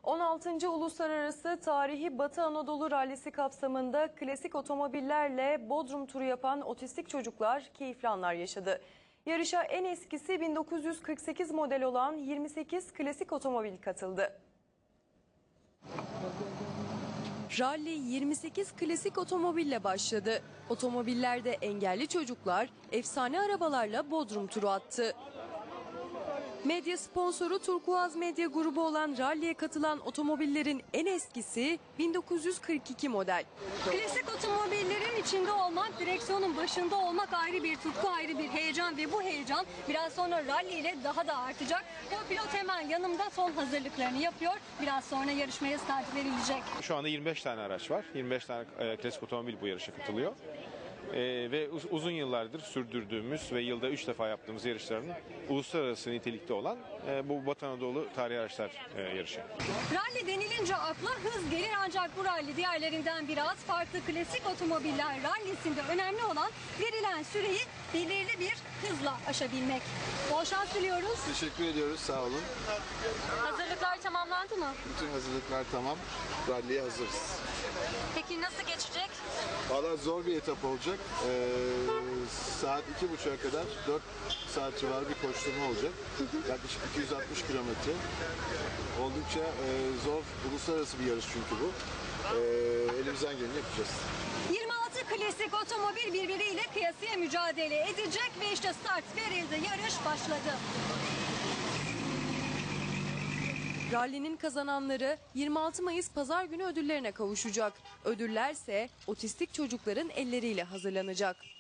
16. Uluslararası Tarihi Batı Anadolu Rallisi kapsamında klasik otomobillerle Bodrum turu yapan otistik çocuklar keyifli anlar yaşadı. Yarışa en eskisi 1948 model olan 28 klasik otomobil katıldı. Rally 28 klasik otomobille başladı. Otomobillerde engelli çocuklar efsane arabalarla Bodrum turu attı. Medya sponsoru Turkuaz Medya grubu olan ralliye katılan otomobillerin en eskisi 1942 model. Klasik otomobillerin içinde olmak, direksiyonun başında olmak ayrı bir tutku, ayrı bir heyecan ve bu heyecan biraz sonra rally ile daha da artacak. Co-pilot hemen yanımda son hazırlıklarını yapıyor. Biraz sonra yarışmaya start verilecek. Şu anda 25 tane araç var. 25 tane klasik otomobil bu yarışa katılıyor. Ve uzun yıllardır sürdürdüğümüz ve yılda 3 defa yaptığımız yarışların uluslararası nitelikte olan bu Batı Anadolu Tarihi Araçlar yarışı. Rally denilince akla hız gelir ancak bu rally diğerlerinden biraz farklı. Klasik otomobiller rallisinde önemli olan verilen süreyi belirli bir hızla aşabilmek. Bol şans diliyoruz. Teşekkür ediyoruz, sağ olun. Hazırlıklar tamamlandı mı? Bütün hazırlıklar tamam, ralliye hazırız. Peki nasıl geçecek? Valla zor bir etap olacak. Saat 2.30'a kadar 4 saat civarı bir koşturma olacak. Yaklaşık 260 kilometre. Oldukça zor, uluslararası bir yarış çünkü bu. Elimizden geleni yapacağız. 26 klasik otomobil birbiriyle kıyasıya mücadele edecek ve işte start verildi, yarış başladı. Rallinin kazananları 26 Mayıs Pazar günü ödüllerine kavuşacak. Ödüllerse otistik çocukların elleriyle hazırlanacak.